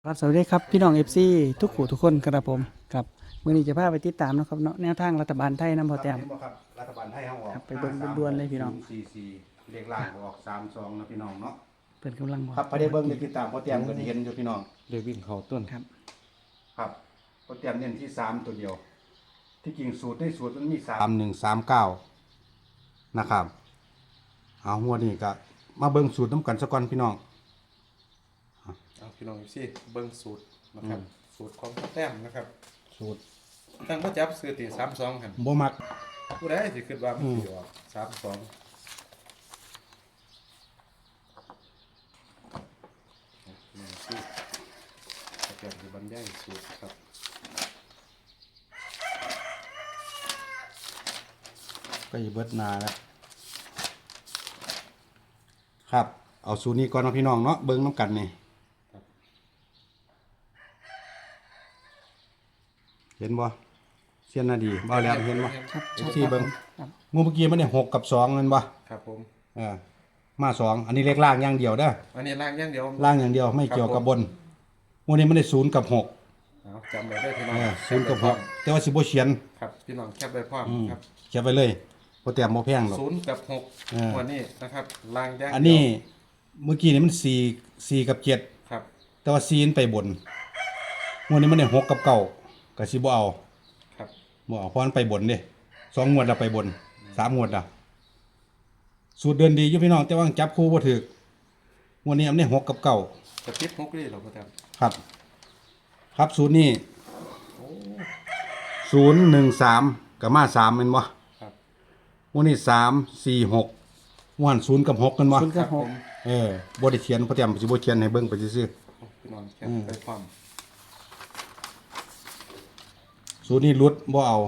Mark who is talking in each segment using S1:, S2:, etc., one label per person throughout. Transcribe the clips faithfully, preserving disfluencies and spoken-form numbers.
S1: ครับสวัสดีครับพี่น้อง เอฟ ซี ทุกขู่ทุกคนครับผมครับมื้อนี้จะพาไปติดตามนะครับเนาะแนวทางรัฐบาลไทยนำพอแต้ม
S2: เห็นบ่ครับรัฐบาลไทยเขาออก
S1: ครับไปเบิ่งด่วนๆเลยพี่น้อง
S2: ห้าสามหกศูย์สี่สี่เลขล่างก็ออกสามสองนะพี่น้องเนาะ
S1: เพิ่นกำลังบอก
S2: ครับไปได้เบิ่งได้ติดตามพอเตรียมก็ได้เห็นอยู่พี่น้อง
S3: เรียกวิ่งเขาต้น
S1: ครับ
S2: ครับพอเตรียมเน้นที่สามตัวเดียว ที่จริงสูตรในสูตรมันมีสามหนึ่งสามเก้านะครับเอาหัวนี่ก็มาเบิ่งสูตรน้ำกันสักก่อนพี่น้อง
S3: เอาพี่น้องสิเบิ้งสูตรนะครับ สูตรของพ่อแต้มนะครับ
S2: สูตร
S3: ตั้งพ่อจับซื้อตีสามสองหัน
S2: บ่มัก
S3: ผู้ใดสิคิดว่ามันสิออกสามสองพี่น้องสิพ่อแต้มจะบรรยายสูตรครับ
S2: ก็อีเบิดนาแล้วครับเอาสูตรนี้ก่อนเนาะพี่น้องเนาะเบิ่งน้ำกันนี่เห็นบ่เสียนนาดีบ่แล้วเห็นบ่
S1: ครับ
S2: ที่เบิ่ง
S1: ครับ
S2: งูเมื่อกี้มันได้หกกับสองเงินบ่
S3: ครับผม
S2: เออมาสองอันนี้เลขล่างอย่างเดียวเด้อ
S3: อันนี้ล่างอย่างเดียว
S2: ล่างอย่างเดียวไม่เกี่ยวกับบนงูนี้มันได้ศูนย์กับหก
S3: เอาจำไว้ได้พี่น้อ
S2: เอง อศูนย์กับหกแต่ว่าสิบ่เขียน
S3: ครับพี่น้องแคปไว้พร้อม
S2: อืม
S3: ครับ
S2: เขียนไปเลยบ่แต้มบ่แพงหรอก
S3: ศูนย์กับหก
S2: เออ
S3: วันนี้นะครับล่างอย่างเดียว
S2: อันนี้เมื่อกี้นี่มันสี่ สี่กับเจ็ด
S3: ครับ
S2: แต่ว่าสี่มันไปบนงูนี้มันได้หกกับเก้าก็สิบ่เอา
S3: ครับ
S2: บ่เอาเพราะมันไปบนเด้สองงวดแล้วไปบนสามงวดแล้วสูตรเดินดีอยู่พี่น้องแต่ว่าจับคู่บ่ถูกงวดนี้มันได้หกกับเก้าก
S3: ระติบหกเลยเหรอพ่อแต้ม
S2: ครับ ครับสูตรนี้
S3: โอ้
S2: ศูนย์หนึ่งสามกับมาสามเป็นบ่
S3: ครับ
S2: วันนี้สามสี่หกวันศูนย์กับหกกันบ่
S1: ศูนย์กับหก
S2: เออบ่ได้เขียนเพราะเตรียมสิบ่เขียนให้เบิ่งไปซื่อ
S3: พี่น้องแคปไปพร้อม
S2: ๆศูนย์นี้หลุดบ่เอา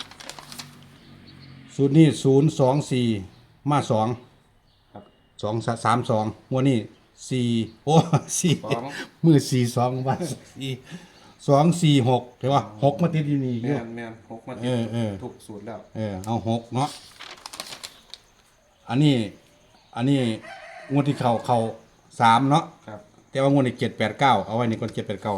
S2: ศูนย์นี้ศูนย์สองสี่มาสอง
S3: ครับ
S2: สองสามสองวันนี้สี่โอ้สี่
S3: สอง
S2: มือสี่สองวันสี่สองสี่หกเห็นป่ะหกมาติดอยู่นี่อ
S3: แม
S2: ยู่
S3: นแมนหกมา
S2: เอ
S3: ติด
S2: อเออ
S3: ถูกสูตรแล้ว
S2: เออเอาหกเนาะอันนี้ อันนี้งวดที่เข้าเข้าสามเนาะ
S3: ครับ
S2: แต่ว่างวดนี้เจ็ดแปดเก้าเอาไว้ในก่อนเจ็ดแปดเก้า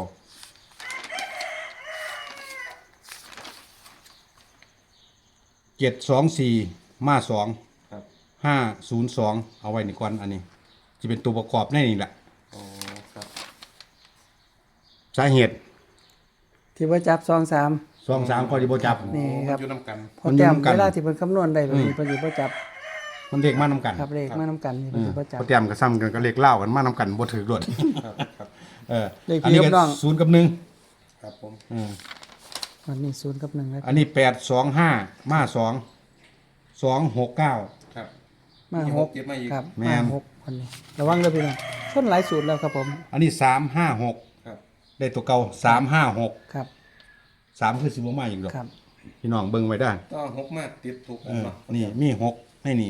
S2: เจ็ดสองสี่มาสอง
S3: ครับ
S2: ห้าศูนย์สองเอาไว้ในก่อนอันนี้จะเป็นตัวประกอบในนี่แหละ
S3: โอ้ครับ
S2: สาเหตุ
S1: ที่ว่าจับสองสาม
S2: สองสามข้อที่บ่จับ
S1: นี่ครับ
S3: โอ้มันอยู่น้ำกัน
S1: พอแต้ม
S2: มันอยู่นำกัน
S1: เวลาที่เพิ่นคำนวณได้แบบนี้เพิ่นสิบ่จับ
S2: มันเด็กมานำกัน
S1: ครับเลขมานํกันนี่เพิ่นสิบ่จับ
S2: เขาเตรียมกับซ้ำกันก็เลขเล่ากันมานำกันบ่ถือรวด
S3: ครับครับ
S2: เออ
S1: เลข
S2: อัน
S1: พี่
S2: นี้
S1: กับ
S2: ก็
S1: น้อง
S2: ศูนย์กับหนึ่ง
S3: ครับผม
S2: อืม
S1: วันนี้ศูนย์กับหนึ่งแล้ว
S2: อันนี้แปดสองห้ามาสองสองหกเก้า
S3: ครับ
S1: มา
S3: มี
S1: ห
S3: ห
S1: ก
S3: กเก็บมาอีก
S1: ครับ
S2: แม่
S1: มาน หกวันนี้ระวังเด้อพี่น้องชนหลายสูตรแล้วครับผม
S2: อันนี้สามห้าหก
S3: ครับ
S2: ได้ตัวเก่าสามห้าหก
S1: ครับ
S2: สามคือสิบมาอีกดอก
S1: ครับ
S2: พี่น้องเบิ่งไว้ได้
S3: ต้องหกมาติดถูก
S2: เออ
S3: เนาะ
S2: นี่มีหกให้นี่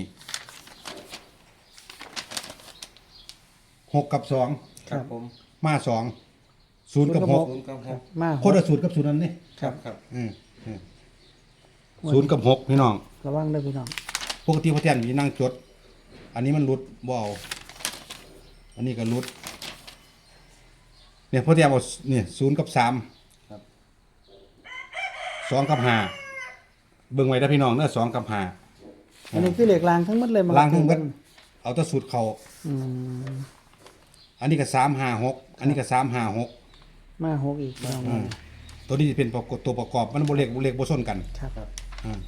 S2: หกกับสอง
S3: ครับผม
S2: มาสองศูนย์กับหก
S3: ศูนย์กับหก
S1: มาห
S2: คน
S1: ก
S2: ละสูตรกับสูตรนั้นนี่
S3: ครับครับ
S2: อืมอืมศูนย์กับหกพี่น้อง
S1: ระวังเด้อพี่น้อง
S2: ปกติพ่อแทนมีนั่งจด อันนี้มันหลุดบ่เอาอันนี้ก็หลุด เนี่ยพ่อแทนเอาเนี่ยศูนย์กับสาม
S3: ครับ
S2: สองกับห้าเบิ่งไว้ได้อพี่น้องเนื้อสองกับห้า
S1: อันนี้คือเลขรางทั้งหมดเลยมา
S2: ล้างทั้งหมดเอาแต่สูตรเขา
S1: อืม
S2: อันนี้ก็สามห้าหกอันนี้ก็สามห้าหก
S1: มาหกอีกพี่น้อง
S2: อืมตัวนี้จะเป็นประกอบตัวประกอบมันบ่เล็กบ่เล็กบ่ส้นกัน
S1: ครับ
S3: ครับ
S2: อ่า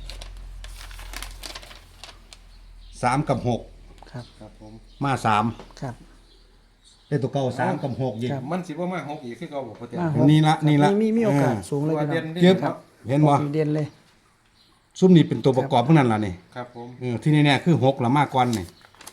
S2: สามกับหก
S1: ครับ
S3: ครับผม
S2: มาสาม
S1: ครับ
S2: ได้ตัวเก่าสามกับหกยิง
S1: ครับ
S3: มันสิบ่มาหกอีกคือเก่าบ่พ่อแต้ม
S1: มาหก
S2: นี่ละนี่ละ
S1: มีมีโอกาส
S2: เออ
S1: สูงเลย
S3: ตัว
S1: พี่
S3: เด่
S1: น้อน ง
S3: นี่
S2: เจ็บ
S3: ครับ
S2: เห็นบ่
S1: มีเด่นเลย
S2: ซุ้มนี่เป็นตัวประกอบพวกนั้นล่ะนี่
S3: ครับผม
S2: เออที่แน่ๆคือหกละมากกว่านี่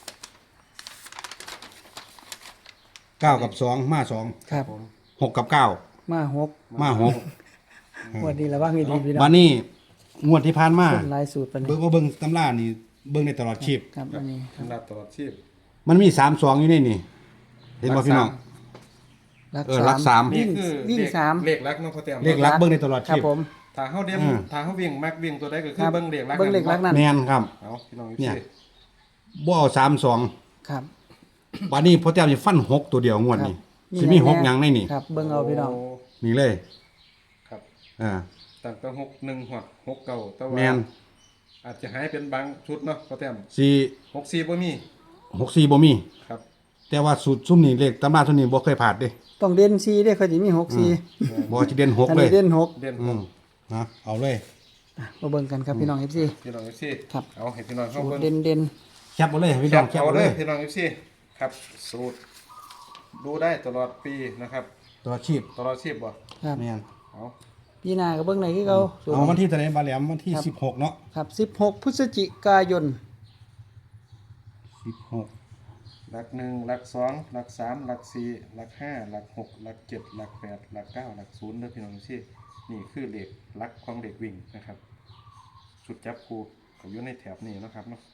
S2: เก้ากับสองมาสอง
S1: ครับ
S3: ผม
S2: หกกับเก้า
S1: มาหก
S2: มาหก
S1: วันนี้ระวังให้ดีพี่น้อ
S2: วัน
S1: ง
S2: นี้งวดที่ผ่านมา
S1: ต้นลายสูตรปาน
S2: เบิ่
S1: นี้
S2: งว่าเบิ่งตำรานี่เบิ่งในตลอดชีพ
S1: ครับอันนี้ครับ
S3: สำหรับตลอดชีพ
S2: มันมีสามสองอยู่ในนี่เห็นบ่พี่น้อง
S1: รัก
S2: เออรักสาม
S1: วิ่ง
S3: คือ
S1: วิ่ง
S3: เลข
S1: สาม
S3: เลขลักเนาะพ่อแต้ม
S2: เลขลักเบิ่งในตลอด
S1: ครั
S2: ชี
S1: บ
S2: พ
S1: ผม
S3: ถ้าเฮาเดียม
S2: อืม
S3: ถ้าเฮาวิ่งมักวิ่งตัวใดก็คื
S1: ค
S3: อ
S1: รับ
S3: เบิ่งเลขลัก
S1: เบิ่งเลขลักนั่น
S2: แม่นครับ
S3: เอาพี่น้อง
S2: เนี่ย
S3: สิ
S2: บ่เอาสามสอง
S1: ครับ
S2: วันนี้พ่อแต้มสิฟันหกตัวเดียวงวดนี้
S1: ม
S2: สิมีหกหยังในนี่
S1: ครับเบิ่งเอาพี่น้อง
S3: โ
S2: นี่เลย
S3: ครับ
S2: อ่า
S3: ตั้งแต่หกหนึ่งหดหกเก้าแต่
S2: แม
S3: ว่าน อาจจะหายเป็นบางชุดเนาะพ่อแต้ม
S2: สี่
S3: หกสี่บ่มี
S2: หกสี่บ่มี
S3: ครับ
S2: แต่ว่าสูตรซุ่มนี่เลขตำราซุ่มนี่บ่เคยผ่านเด้
S1: ต้องเด่นสี่เด้เขาสิมีหกสี่
S2: บ่สิเด่นหก
S1: อัน
S2: เล
S1: นี้
S2: ย
S1: เด่นหก
S3: เด่น
S2: อืมนะเอาเลย
S1: อ่ะมาเบิ่งกันครับพี่น้อง เอฟ ซี
S3: พี่น้องเอฟซี
S1: ครับ
S3: เอาให้พี่น้องเข้า
S1: สูต
S3: เบิ่
S1: รง เด่นเด่น
S2: แคปเอาเลยพี่
S3: แค
S2: น้อ
S3: ป
S2: งแคป
S3: เอา
S2: เอา
S3: เล
S2: เลย ย
S3: พี่น้องเอฟซีครับสูตรดูได้ตลอดปีนะครับ
S2: ตัวชีพ
S3: ตลอดชีพบ่
S1: ครับ
S2: แม่น
S3: เอา
S1: พี่นาก็เบิ่งไหนคือเขาสูตร
S2: เอาวันที่เท่าไหร่บาแหลมวันที่สิบหกเนาะ
S1: ครับสิบหกพฤศจิกายน
S2: สิบหก
S3: หลักหนึ่งหลักสองหลักสามหลักสี่หลักห้าหลักหกหลักเจ็ดหลักแปดหลักเก้าหลักศูนย์เด้อพี่น้องเอฟซีนี่คือเลขหลักของเด็กวิ่งนะครับสุดจับคูก็อยู่ในแถบนี้เนาะครับเนาะ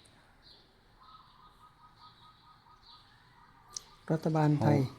S1: รัฐบาลไทย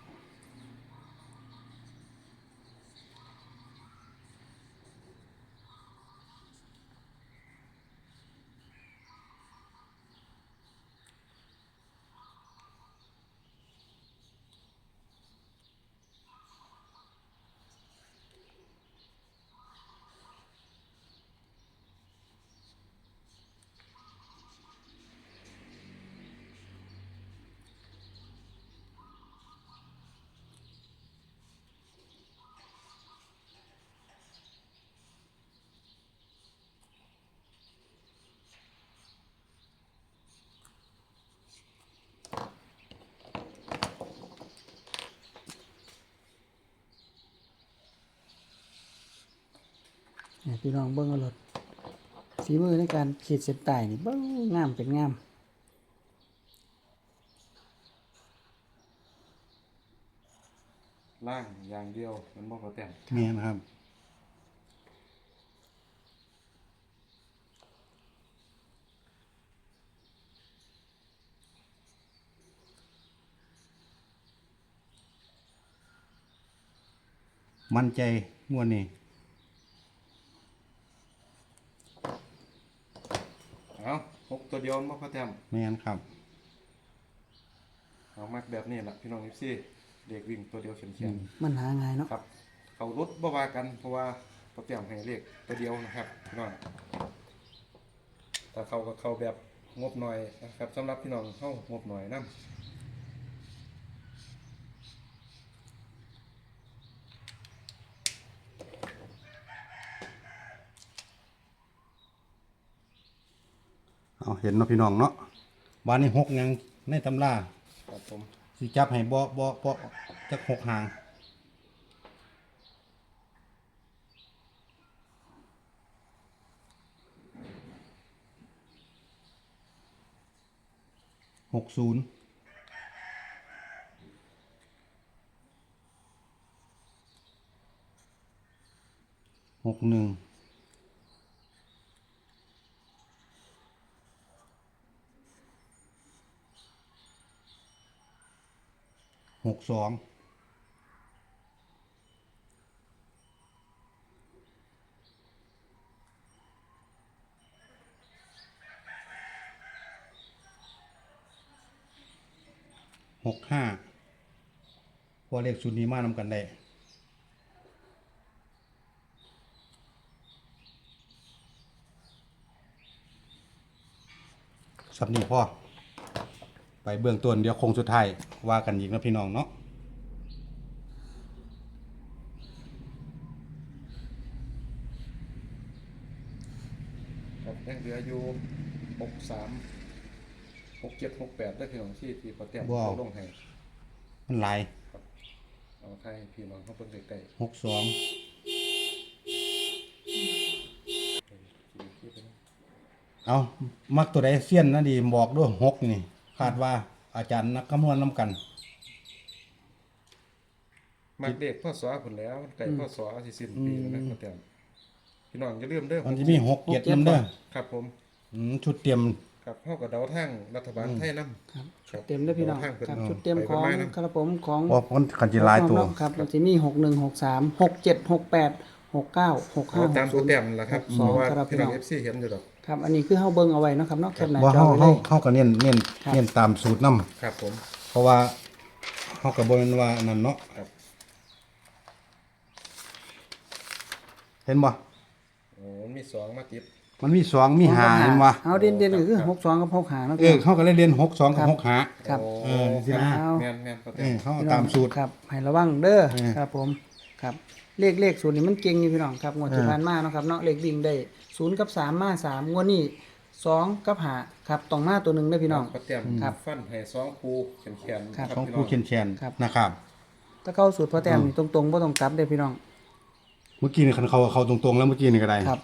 S1: เนี่ยพี่น้องเบิ่งเอารถฝีมือในการขีดเส้นใต้นี่เบิ่งงามเป็นงาม
S3: ล่างอย่างเดียวมันบ่พอแต้ม
S2: แม่นครับมั่นใจงวดนี้
S3: เอาหกตัวเดียวมันบ่พอแต้ม
S2: แม่นครับ
S3: เอามักแบบนี้แหละพี่น้องเอฟซีเด็กวิ่งตัวเดียวเขียน
S1: มันหาง่ายเนาะ
S3: ๆครับ เขารุดบ่ว่ากันเพราะว่าพอแต้มให้เลขตัวเดียวนะครับพี่น้องแต่เขาก็เขาแบบงบหน่อยนะครับสำหรับพี่น้องเข้างบหน่อยนํ
S2: เอาเห็นเนาะพี่น้องเนาะบ้านนี้หกหยังในตำรา
S3: ครับผม
S2: สิจับให้บ่บ่บ่จักหกหางหกศูนย์หกหนึ่งหกสองหกห้าพอเลขชุดนี้มานำกันได้สับนี้พ่อไปเบื้องต้นเดี๋ยวคงสุดท้ายว่ากันอีกนะพี่น้องเนาะ
S3: ครับยังเหลืออยู่หกสามหกเจ็ดหกแปดได้พี่น้องที่ที่พอแต้มเขาลงให้
S2: มันหลาย
S3: เอาให้พี่น้องเขาเพิ่งใกล้
S2: หกสอง
S3: ๆ
S2: เอามักตัวใดเสี้ยนนะดีบอกด้วยหกนี่คาดว่าอาจารย์นักคำนวณน้ำกัน
S3: มักเด็กพ่อสอผลแล้วไก่พ่อสอสิสิ้นปีแล้วนะพอแต้มพี่น้องอย่าลืมเด้อ
S2: มันจะมีหกเจ็ดน้ำเด้อ
S3: ครับผม
S2: อืมชุดเตรียม
S3: ครับเฮากับเดาทางรัฐบาลไทยนำ
S1: ครับชุดเต็มเด้อพี่น้องครับชุดเต็มของครับผมของ
S2: เพราะมันขันจิหลายตัว
S1: ครับมันจะมีหกหนึ่งหกสามหกเจ็ดหกแปดหกเก้าหกห้า
S3: เอา
S1: ห
S3: ตาม
S1: ก
S3: ตั
S1: ศู
S3: วน
S1: ย์
S3: แต้มล่ะครับ
S1: สอง
S3: เพราะว่า
S1: ครับ
S3: พี่
S1: พี่
S3: น้
S1: น้
S3: อ
S1: อง ง
S3: เอฟซีเห็นอยู่ดอก
S1: ครับอันนี้คือเฮาเบิ่งเอาไว้เนาะครับเนาะแคปหน้า
S2: ว่า
S1: จอ
S2: เฮา
S1: ไว้เล
S2: เฮาย เฮาก็เน้นเน้น
S1: ครับ
S2: เน้นตามสูตรนํ
S3: ครับผม
S2: เพราะว่าเฮเฮาก็บ่แม่นว่านั่นเนาะ
S3: ครับ
S2: เห็นบ่
S3: โอ้มันมีสองมาติด
S2: มันมีสองมีห้าเห็นบ่
S1: เอาเด่นเด่นๆก็คือหกสองกับหกห้าเนาะ
S2: เออเขาก็เลยเรียนหกสองกับหกห้า
S1: ครับ
S3: โ
S2: เออสินะ
S3: ครับแม่นแม่นพอ
S2: เอ
S3: เต็ม
S2: อเขาเอาตามสูตร
S1: ครับให้ระวังเด้อ
S2: เออ
S1: ครับผมครับเลขเลขศูนย์นี่มันเก่งอยู่พี่น้องครับงวดที่
S2: เออ
S1: ผ่านมาเนาะครับเนาะเลขวิ่งได้ศูนย์กับสามมาสามงวดนี้สองกับห้าครับต้องมาตัวหนึ่งเด้อพี่น้อง
S3: พอเต็ม
S1: ครับ
S3: ฟันให้สองคูแขนๆ
S1: ครับ
S2: ของ
S3: พี่
S2: ผู้
S3: น้
S2: เขียนแชน
S1: ครับ
S2: นะครับ
S1: ถ้าเข้าสูตรพอแต้มนี่ตรงๆบ่ต้องกลับเด้อพี่น้อง
S2: เมื่อกี้นี่คันเขาเขาตรงๆแล้วเมื่อกี้นี่ก็ได้
S1: ครับ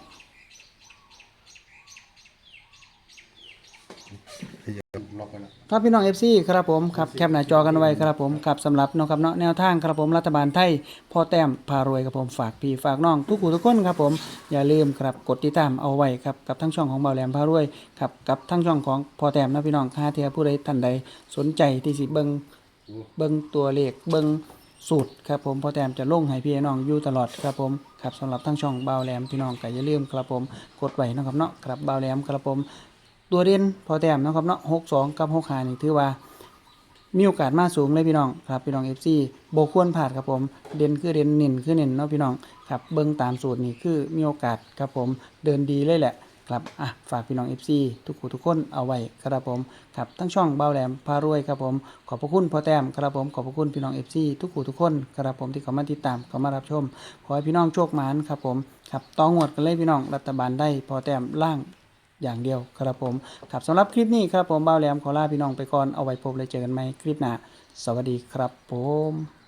S2: ล็อกไว้แล้ว
S1: ครับพี่น้อง เอฟ ซี ครับผมครับแคปหน้าจอกันไว้ครับผมครับสำหรับเนาะครับเนาะแนวทางครับผมรัฐบาลไทยพ่อแต้มพารวยครับผมฝากพี่ฝากน้องทุกผู้ทุกคนครับผมอย่าลืมครับกดติดตามเอาไว้ครับกับทั้งช่องของเบาแหลมพารวยครับกับทั้งช่องของพ่อแต้มนะพี่น้องค่าเทียผู้ใดท่านใดสนใจที่สิเบิ่งเบิ่งตัวเลขเบิ่งสูตรครับผมพ่อแต้มจะลงให้พี่น้องอยู่ตลอดครับผมครับสำหรับทั้งช่องเบาแหลมพี่น้องก็อย่าลืมครับผมกดไว้เนาะครับเนาะครับเบาแหลมครับผมตัวเด่นพอแต้มเนาะครับเนาะหกสองกับหกห้านี่ถือว่า มีโอกาสมาสูงเลยพี่น้องครับพี่น้อง เอฟ ซี บ่ควรพลาดครับผมเด่นคือเด่นเน้นคือเน้นเนาะพี่น้องครับเบิ่งตามสูตรนี่คือมีโอกาสครับผมเดินดีเลยแหละครับอ่ะฝากพี่น้อง เอฟ ซี ทุกผู้ทุกคนเอาไว้ครับผมครับทั้งช่องเบาแหลมพารวยครับผมขอบพระคุณพ่อแต้มครับผมขอบพระคุณพี่น้อง เอฟ ซี ทุกผู้ทุกคนครับผมที่เข้ามาติดตามเข้ามารับชมขอให้พี่น้องโชคหมานครับผมครับต้องงวดกันเลยพี่น้องรัฐบาลได้พ่อแต้มล่างอย่างเดียวครับผมครับสำหรับคลิปนี้ครับผมเบาแหลมขอลาพี่น้องไปก่อนเอาไว้พบเลยเจอกันใหม่คลิปหน้าสวัสดีครับผม